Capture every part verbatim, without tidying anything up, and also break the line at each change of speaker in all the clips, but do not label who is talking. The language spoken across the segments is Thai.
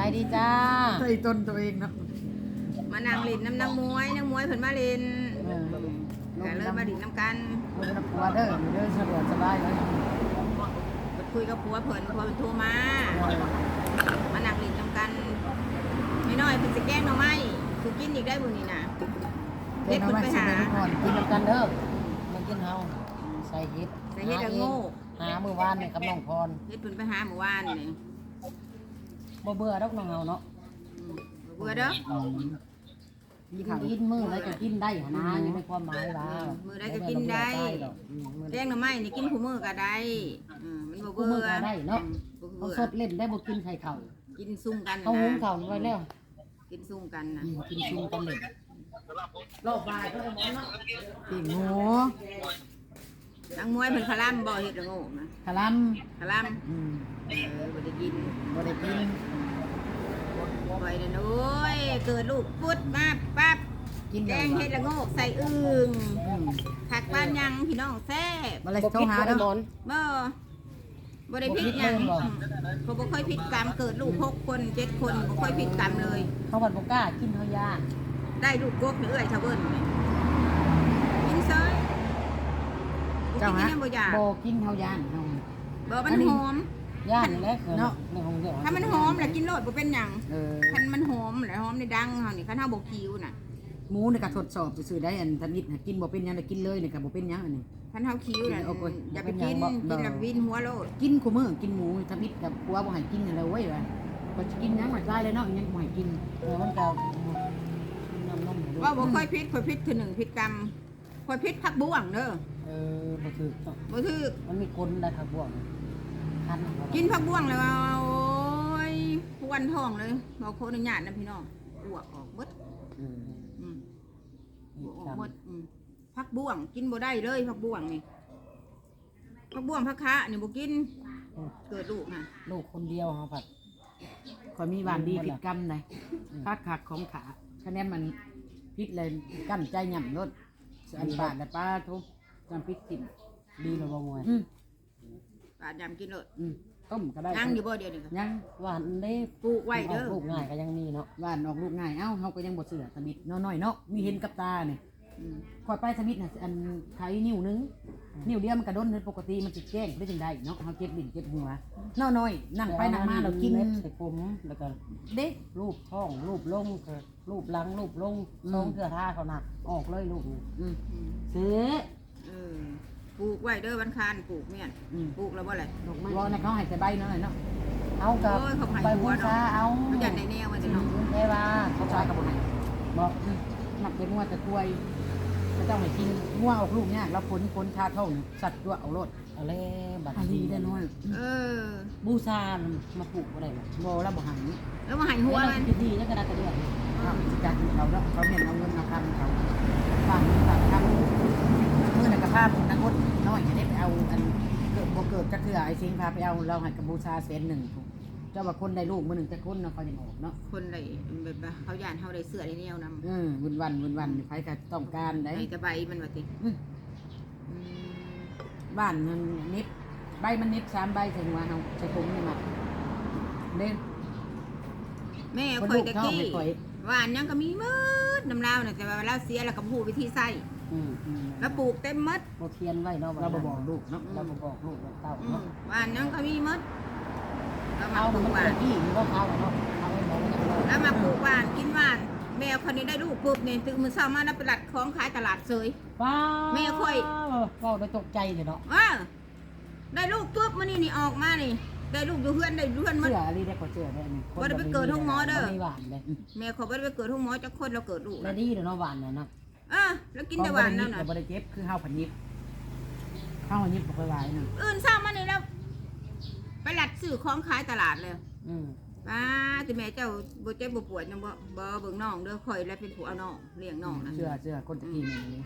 ดีจ้า
ใส่ต้นตัวเองเนาะ
มานางเล่นน้ำนางมวยนางมวยเพิ่นมาเล่นแต่เลยมาดิ่น้ำกัน
ลงน้ำปัวเด้อเด้อสะดวกสบายเลย
คุยกับผัวเพิ่นผัวเพิ่นโทรมา มานางเล่นน้ำกันไม่น้อยเพิ่นจะแกล้งหน่อไม้คือกินอีกได้บุนี่นะเฮ็ดเพิ่นไปหา
กินกันเด้อมากินเฮาใส่เฮ็ด
ใส่เฮ็ดละโง่
หามื้อวานนี่กับน้องพร
เฮ็ดเพิ่นไปหาเมื่อวานนี่
บ่เบื่อดอกน้องเฮาเนาะ
เบื่อเด้อ
กินกินมื้อแล้วก็กินได้หนะอยู่ในความหมายว่า
มื้อใดก็กินได้แกงหน่อไม้นี่กินคู่มื้อก็ได้มันบ่
กู
เบื่
มื้อ
อ
ก็ได้เนาะ
บ่
เขา
เบื่อ
สดเล่นได้บ่กินไข่เข่า
กินซุ่มกัน
เขาหุงเข่าไว้แล้ว
กินซุ่มกันนะ
กินซุ่มกันเล่นรอบบ่ายก็ได้หมดเนาะ
ปีกหมู
นางมวยเพิ่นคลำบ่เฮ็ดละโง่นะ
คาลัม
คลำ
อืม
เออบ่ได้กิน
บ่ได้กิน
ปล่อยนั่นโอ้ยเกิดลูกปุ๊ดมาปั๊บ
กิน
แกงเฮ็ดละโงกใส่อึ่งผักบ้านยังพี่น้องแซ่บ
บ่เลยโทรหาเด้อ
บ่บ่ได้ผิดหยังเขาบ่ค่อยผิดกรรมเกิดลูกหกคนเจ็ดคนบ่ค่อยผิดกรรมเลย
เขาบัดบ่กล้ากินเฮาย่าน
ได้ลูกกบนี่เอ้ยชาวเบิ้นนี่กินเซย
เจ้าฮะ
บ่อยาก
บ่กินเฮาย่านเฮา
บ่มันหอม
ย่านนี่แหละเนาะในห้องเดียว
ถ้ามันหอมแล้วกินโลดบ่เป็นหยัง
เออ
คันมันหอมแล้วหอมในดังเฮานี่คันเฮาบ่คิวน่ะ
หมูนี่ก็ทดสอบซื่อๆได้อันทนิดกินบ่เป็นหยังได้กินเลยนี่ก็บ่เป็นหยังอันนี้
คันเฮาคิวน่ะ
โอ้โห
อย่าไปกินกินแล้ววินหัวโลด
กินคู่มื้อกินหมูทนิดกับผัวบ่ให้กินนั่นแหละเว้ยว่าก็สิกินหยังหมดได้เลยเนาะยังบ่ให้กิน
เออมันก็น้ำนม
ว่าบ่ค่อยผิดค่อยผิดคือหนึ่งผิดกรรมค่อยผิดผักบ่วงเด้อ
เออบ่ถูกต้อง
บ่ถือ
มันมีกลได้ครับบ่วงคัน
กินผักบ่วงแล้วโอ้ยปวนท้องเลยบ่ขออนุญาตนะพี่น้องอ้วกออกเบิด
อืม
อืมอ้วกออกเบิดอืมผักบ่วงกินบ่ได้เลยผักบ่วงนี่ผักบ่วงผักคะนี่บ่กินเกิดลูกน่ะ
ลูกคนเดียวเฮาผัด
ขอยมีหวานดีผิดกรรมได้คักคักของขาคะแนนมันพิษเลยกั้นใจหย่ำรถอันปากแต่ป้าทุบจำพิษกิน
ดีแล้วบ่มวย
อืม
ปาดยำกินเลย
อืมต้มก็ได้
นั่งอยู่บ่เดียวนี่ก็
ยัง
หวานเด้
ปลูกไว้เด้อ
ลูกง่ายก็ยังมีเนาะ
หวานออกลูกง่ายเอ้าเขาก็ยังบดเสือสมิดน้อยๆเนาะมีเห็นกับตาเนี่ย
อืม
คอยไปสมิดน่ะอันไขนิ้วนึงนิ้วเดียวมันกระด้นเลยปกติมันจะแจ้งได้จังได้เนาะเขาเจ็บลิ้นเจ็บหัวน้อยๆนั่งไปนั่งมาเรากิน
เม็ดใส่ผมแล้วก็
เด็ก
รูปท้องรูปลงก็รูปหลังรูปลง
อืม
ลงเทื่อท่าเขาหนักออกเลยลูกนี่
อืม
อืม
ซื้อ
เออปลูกไว้เด้อวันคานปลูกเมี่ยน
อืม
ปลูกแล้วบ่แหละ
ดอกไม้
รอในเขาให้ใส่ใบหน่อยเนาะ
เอากับ
โอ้ยเขาให้
ไป
หั
บู
วเนาะ
ชาเอา
เขาอยากได้แนวมันจะเนาะ
เทวา
เขาชายกับบุให้
บอก
หนักเป็นงัวจะกล้วยก็ต้องให้กินงัวออกลูกเนี่ยแล้วผลผลชาเท่าหนึ่งสัตว์ตัวเอารถ
เอาเลยบัตร
อันนี้ได้น้อย
เออ
บูชามาปลูกอะไรบ่
โบแล้วบ่หัน
แล้วมาหันหัวมัน
พิธีแล้วก็ได้กระเดือน
เขาจัดเขาแล้วเขาเนี่ยเอาเงินมาทำเขาฝากฝากทำมือหนังกระพาผมนักอดน้อยจะได้ไปเอาอันเกิดบ่เกิดจะคือไอ้สิงพาไปเอาเราให้กับบูชาเซนหนึ่งเจ้าว่าคนได้ลูกมือหนึ่งแต่คนเนาะเขาจะออกเนาะ
คนใดแบบว่าเขาย่านเขาได้เสื้อได้แนวนำ
เออวันวันวันวันใครก็ต้องการได้
ให้แต่ใบมันว่าติ
อืม
อืม
บ้านมันนิบใบมันนิบสามใบถึงว่าเราใช้ผมนี่มาเด่น
แม่
คน
ข่อ
ลู
ย
ก
ตะ
เขา
กี้
ไม่ค่อย
ว่านยังก็มีมืดน้ำลาวน่ะแต่ว่าเราเสียแล้วก็ฮู้วิธีใส่
อืมอืม
แล้วปลูกเต็มหมด
โบเทียนไว้เนาะ
เราบบอกลูกเนาะ
เราบ่บอกลูกเราเต้า
อืม
เนาะ
ว่านยังก็มีหมดแล้วมา
เอา
ปลู
มัน
ก
เป็
ว่าน น
ที่มันก็เอาเนาะเอาไว้มองมันจะ
แล้วมาปลูกว่านกินว่านแมวคนนี้ได้ลูกปุ๊บเนี่ยตื่นมือเช้ามาแล้วไปหลัดของขายตลาดเซย
ว้า
แม่ค่อย
ก็ได้ตกใจเลยเนาะ
ว่าได้ลูกปุ๊บมันนี่นี่ออกมานี่ได้ลูกอยู่เพื่อนได้อยู่เพื่อนหมัด
เสื้ออะไรได้ก็เสื้อได้นี่
บ่ได้ไปเกิดห้องหมอเด้อ
ไม่หวานเลย
แม่เขาไม่ได้ไปเกิดห้องหมอจักคนเราเกิดลูก
แล้วดีเดี๋ยวเนาะหวานเนี่ยเนาะ
เออแล้วกินแต่หวานนั่นน่ะ
เราบริเจ็บคือข้าวผัดยิบข้าวผัดยิบปกติเนาะ
อื่นเช้ามานี่แล้วไปหลัดซื้อของขายตลาดเลย
อืม
ป้าแต่แม่เจ้าบ่เจ็บบ่ปวดยังบ่บ่เบิ่งน้องเด้อข่อยแล้วเป็นผู้เอาน้องเลี้ยงน้องนะ
เสื้อเสื้อคนตะกี้นี่
นี่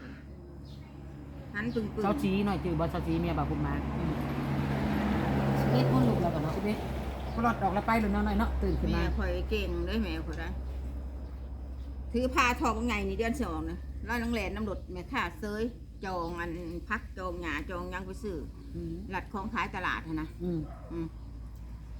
หันปึ้งๆ
เช้าชี้หน่อยจือบอสเช้าชี้เมียบ่าวคุณมา
เล็ดคนลูกแล้วกันเนาะ
ชีวิตก็รอดออกแล้วไปหรือน้อยเนาะตื่นขึ้น
แม่
มา
ข่อยเก่งเด้อแม่ข่อยได้ถือพาทองไงนี่เดือนสองนะร้อยนังแหลนน้ำรถแม่ค่าเซยจองอันพักจองหยาจองยังไปซื้อ
อืม
หลัดของขายตลาดหั้นนะ
อืม
อืมโ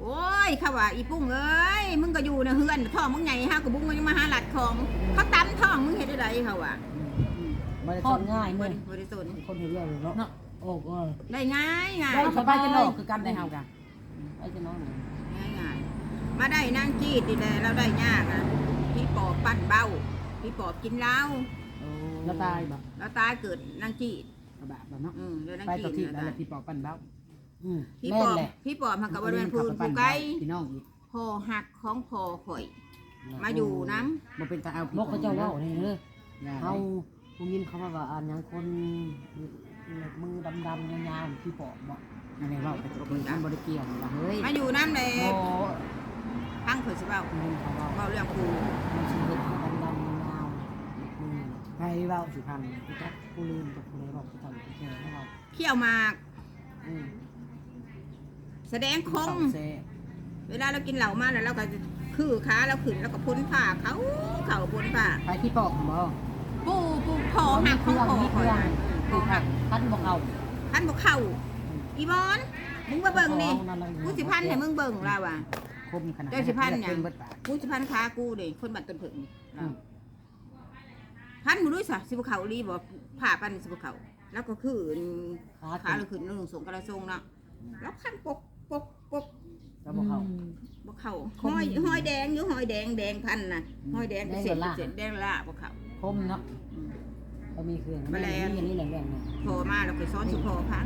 โอ้ยเขาว่าอีปุ้งเอ้ยมึงก็อยู่ในเฮือนท้องมึงใหญ่ฮะกับบุ้งมันยังมาหาหลัดของเขาตั้มท้องมึงเห็นได้ไรเขาว่า
บ่ได้
ทอ
ส
ด
น
ง่าย
บ
เลย
ริบริสุทธิ์
คนเห็นเรื่องเลยเนาะ
เนาะ
โอ้ก็
ได้ง่ายง่าย
ได้สบายจะนอกคือกันได้เฮากัน
ไอ้เจะน้อง
ง่ายง่ายมาได้นางจีดดีแลเราได้ยากอ่ะพี่ปอบปั้นเบ้าพี่ปอบกินเหล้า
แล้วตายบ่
แล้วตายเกิดนางจีด
กระบะบ่เนาะ
อืมแล้วนาง
ไป
จี
ต่อ
ด
ที่
แล้ว
แล้ว
ตาย
พี่ปอกปั้นเบ้า
อืม
พี่
แม่
ป
น
อบ
แหละ
พี่ปอบมันกับบริเวณพื้นผู้ไกล
พี่น้องอีก
พอหักของพอข่อย มาอยู่น้
บ่เป็นตาเอา
บอกเขาเจ้าเล่าเนี่ยเด้อ
เฮา
เขาผู้ยินเขาว่าอ่านอย่างคนมือดำๆยาวๆที่ปอกบอก
อันนี้เว้าไปตกลงกันบ่ได้เกี่ยวว่าเฮ้ย
ำมาอยู่น้ำเลย
โอ้
พังข่อยสิเบ้า
ยินเขาว่า
เบ้าเรื่องกู
มันชีวิตดำๆยาวๆมือ
ไปเว้าสิพัง
กูจักกูลืมกับกูเลยบอกกูทำกูแค่ไม่บอก
เขี้ยวหมาก
อืม
แสดงคง
เซ่
เวลาเรากินเหล้ามาแล้วเราก็คือขาเราขึ้นแล้วก็พ้นผ้าเขาเขาพ้นผ้า
ไปพี่ปอกบ่
ปูปูพอหักของพอคอยนะพอหัก
พันบอกเอา
พันบอกเข่าอีบอนมึงมาเบิ่งนี่กูสิพันให้มึงเบิ่งเราอ่ะ
คมขนาด
เจ้าสิพันหยัง
เบิดปาก
กูสิพันขากูเด้คนบัดต้นผึ่งเราพันมึงด้วยสะสิบเขาลีบอกผ่าปันสิบเขาแล้วก็คือขาเราขึ้นลงสูงกระทรงเนาะแล้วพันปกปกปก
ก็บอกเขา
บอกเขาห้อยห้อยแดงอยู่ห้อยแดงแดงพันนะห้อยแดงเสร็จเสร็จแดงละบอกเขา
คมเนาะ
เขามีเครื่องนี่อันนี้แหละเรื่องเนี่ย
พอมาเราไปซ้อนสุพอพัง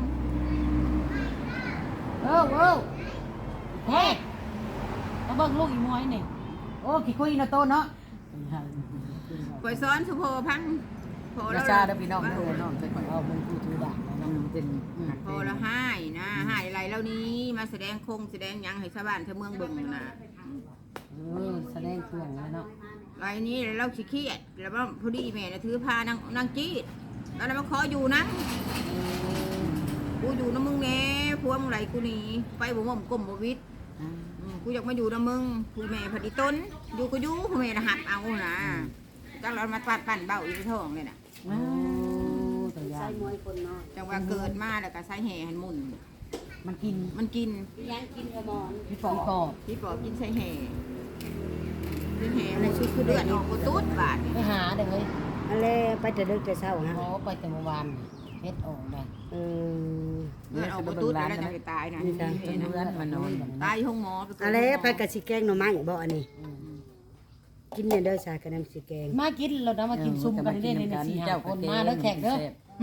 เออเออเฮ้มาเบิ่งลูกอีมวยนี่
โอ้ขี้คุยนะโตเนาะ
ไปซ้อนสุพอพังพอ
รา
แล้ว
ชาเด้อพี่น้องเด้อน้องใส่ข่อย
เอามึงกูถือดาบ
อืมเป็นหัก
พอแล้วให้นะให้อะไรแล้วนี้มาแสดงคงแสดงยังให้ชาวบ้านชาวเมืองเบิ่งนะ
เออแสดงเครื่องแล้วเนาะ
ไรนี้เราขี้เกียจแล้วว่าพอดีแม่นะถือพานางนางจีดแล้วเรามาขออยู่นะกูอยู่นะมึงแน่พวงไรกูหนีไปบ่ม่อมกลมบ่วิทย์
อ่า
อืมกูอยากมาอยู่นะมึงกูแม่พอดีต้นอยู่ก็อยู่กูแม่นะหักเอานะจังเรามาปั้นปั้นเบ้าอีกท้องเลยน่ะ
โอ้ตัวยา
จังว่าเกิดมาแล้วก็ใส่แห่หันหมุน
มันกิน
มันกิน
พี่ปอ
พี่
ก
ปอบ
พี่ปอบกินใส่แห่กินแห่อะไรชุดคือเดือดออกกูตุ๊ดบาด
ไปหาเด้อเฮ้ย
อะไรไปแต่ดึกแต่เช้าฮะ
หมอไปแต่เมื่อวานเฮ็ดออกได้
เออ
เดือดออกกูตุ๊ดแล้วจะไปตายนะ
นี่จ้ะ
จนเพื่อนมานอน
ตายห้องหมอ
อะไรไปกับสิแกงหน่อไม้บ่อันนี้ กินเนี่ยเด้อชากับน้ำสิแกง
มากินแล้วนะมากินซุ่มกันเล่นในสี่ห้าคนมาแล้วแขกเด้อ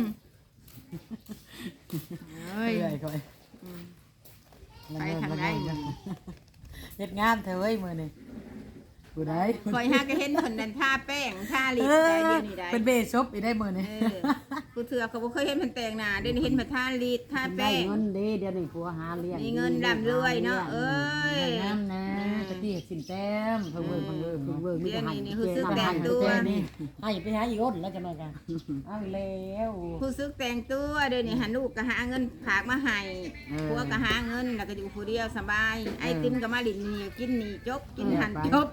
เฮ้ย
เอ้ยค่อย
ไปทางไหน
เฮ็ดงามเถอะเว้ยมื้อนี้ผู้ใด
คอยหาก็เห็นคนนั้นทาแป้งทาลิปได้เดี๋ยวนี้ได้
เป็นเบสซบอีได้มื้อนี้
เออกูเถื่อเขาบ่เคยเห็นมันแต่งหน้าเดี๋ยวนี้เห็นมาทาลิปทา
ได้
แป้ง
เงินดีเดี๋ยวนี้ผัวหาเลี้ยง
มีเงินร่ำรวยเนาะเอ้ย
งามนะตะกี้สินแต้มเพิ่งเบิ่งเพิ่งเบิ่ง
เพิ่งเบิ่งมี
เดี๋ยว
แต่ให้
นี้นี่คือซื้อแต่งตัว
นี่
ให้ไปหาอีกคนแล้วจะมากันเอาแล้ว
ผู้ซื้อแต่งตัวเดี๋ยวนี้หาลูกก็หาเงินฝากมาให้ผัวก็หาเงินแล้วก็อยู่ผู้เดียวสบาย ไอติมก็มาลินนี่กินนี่จบกินหันจบ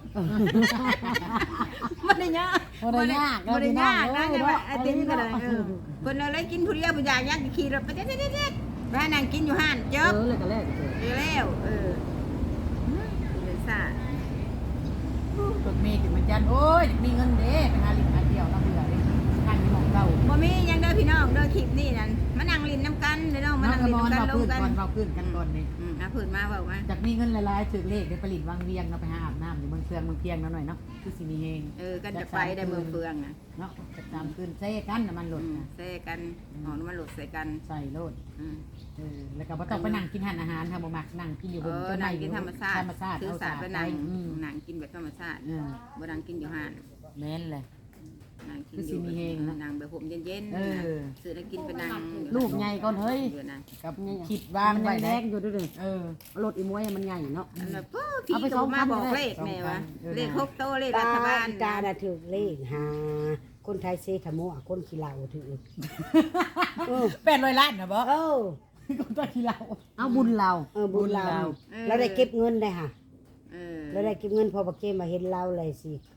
บ่ได้ยาก
บ่ได้ยาก
บ่ได้ยากนะ
เด้
แต่
อ
ว่าไอติมก็ได้เออเพิ่นเอาเลยกินผู้เดียวบ่อยากยักขี่รถไปเด็ดๆๆไปนั่งกินอยู่ห้านจ
เอบ อเลยก็แลกเจอ
เดี๋ยวแล้วเออเลยซ่า
ฝึกมีถึงมันจันโอ้ยมีเงินเด้ไปหาลิ้นหาเที่ยวน้ำเบื่อเด้ทางที่หมองเก่า
บ่มีหยังเด้อพี่น้องเด้อคลิปนี้นั่นมานั่งลินน้ำกันเด้อน้องมา
น้อง
นั่ง
กระ
ลิน
มอน
น้ำกัน
เรา
ล
พื้
ง
น
กัน
ก่อนเราพื้นกันก่อนนี่
อืมอ่ะพื้นมาเว้ามา
จากมีเงินหลายๆถึกเลขได้ผลิตวางเวียงเราไปหาอาบน้ำอยู่เมืองเฟืองเมืองเพียงแล้วหน่อยเนาะคือสิมีเฮง
เออกันจะไปได้เมืองเฟืองน่ะ
เนาะจะตามคืนเซ่กันน้ำมันห
อื
ล่น
ม
นะ
แซ่กันหอมมันหลดใส่กัน
ใส่โลด
อืม
เออแล้วก็บ่ต้องไปนั่งกินอาหารอาหารทำบ่มักนั่งกินอยู่
เอบ
น
อ
ต้นไม้
นั่งกินธรรมชาติ
ธรรมชาติ
ถือ
เอา
สา
สา
ด
ด
ไป
ไป
นั่ง
อืม
นั่งกินแบบธรรมชาติ
เออ
บ่นั่งกินอยู่ห้าน
แม่นเลย
นั่งกิน
คือ
อ
สิ
ยู่
มีเฮงนะ
นั่งแบบผมเย็น
เออ
ๆซื้อแล้วกินไปนั่ง
ลูกใหญ่ก่อนเฮ้ย
เดี๋ยวนะ
กับคิดวาง
มัน
ไว้
ยังแร
ได้
กอยู่ด้วยเลย
เออ
รถอีมวยมันใหญ่เนาะ
อันนั้นปุ๊บพี่
เอาไป
โท
ส
ร
อง
มา
พัน
บอก
เลย
เลขแม่วะ
เออ
เลขครบโตเลข
ตา
รัฐบาล
ตาน่ะถือเลขหาคนไทยเซทะโมอะคนขี้เหล้าถือเออ
แปดร้อยล้านนะบ่
เออ
คนตัวที่เรา
เอาบุญเรา
เออบุญเรา
เออ
เราได้เก็บเงินได้ค่ะ
เออ
เราได้เก็บเงินพอบักเกมมาเห็นเราเลยสิข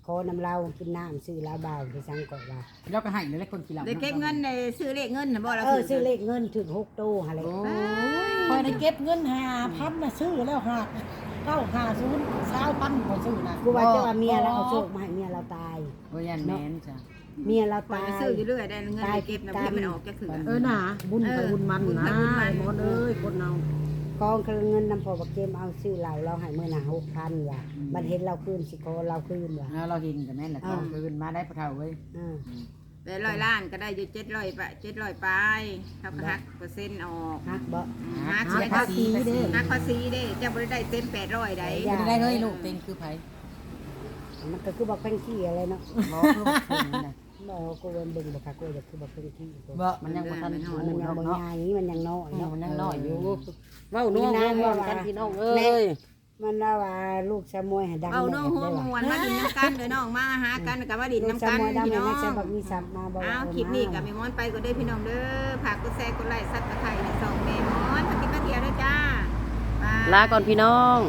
อน้ำเรากินน้ำซื้อลาเบาไปสั่งก่อนว่า
แล้วก็ให้เลยคนกินเหล้า
ได้เก็บเงินได้ซื้อเลขเงินน่ะบ่ล่ะ
เออซื้อเลขเงินถึงหกโตหาเลย
พอได้เก็บเงินห้าพันน่ะซื้อแล้วหาเก้าห้าศูนย์สาวพันบ่ซื้อนะ
กูว่าจะว่าเมียเราเอาโชคมาให้เมียเราตาย
โอ้ยันแม่นจ้ะ
เมียเรา
ปล่อย
ตาย
ไปซื้ออยู่เรื่อยได้เงินได้เก็บนะ
ตาย
เพื่อมันออกแกคือ
เออน่ะบุญไปบุญมันนะหมดเอ้ยคนเอา
กองคือเงินนำพอบักเกมเอาซื้อเราเราให้มื้อหน้าหกพันว่ะบัดเห็นเราคืนสิขอเราคืนว่ะ
แล้วเราเห็นกับแม่นแหละต้องคืนมาได้ปะเท่าเว้ย
อ่า
แต่ร้อยล้านก็ได้อยู่เจ็ดร้อยปะเจ็ดร้อยปลายเท่ากับหักเปอร์เซ็นต์ออก
ฮักบ่
หัก
เสี
เสี
ย
ย
ภา
ภา
ษี
ษีหักภาษีเด้เจ้าบ่ได้เต็มแปดร้อยได้
ไม่ได้เฮ้ยลูกเต็งคือไผ
มันก็คือบักแป้งขี้อะไรเนาะ
บ่คือบ่ถึงนะ
บ่กูเบิ่งเบิ่งบ่ค่ะกูจะคือบักแป้งขี้
บ่มันยังบ่ทัน
มัน
ถู
ยัง
ก
บ่
เนาะ
ใหญ่มันยังน้อยเนาะ
มันยังน้อยอยู่เว้าน้องเว้ากันพี่น้องเอ้ย
มันว่าว่าลูกชะมวยให้ดัง
เอาน้องหัวมวนมาดินน้ำกันเด้อน้องมาหากันกับมาดิน
ลูก
น้ำ
ชะ
กัน
มวยดัง
พี่
ให้
น้อง
นักแสดงบักมีสับมาบ่
อ้าวคลิปนี้กับแม่มอนไปก็ได้อพี่น้องเด้อฝากกดแชร์กดไลค์ซับสไครต์ในช่องแม่มอนปฏิบัติเดียวด้วยจ้า
ลาก่อนพี่น้อง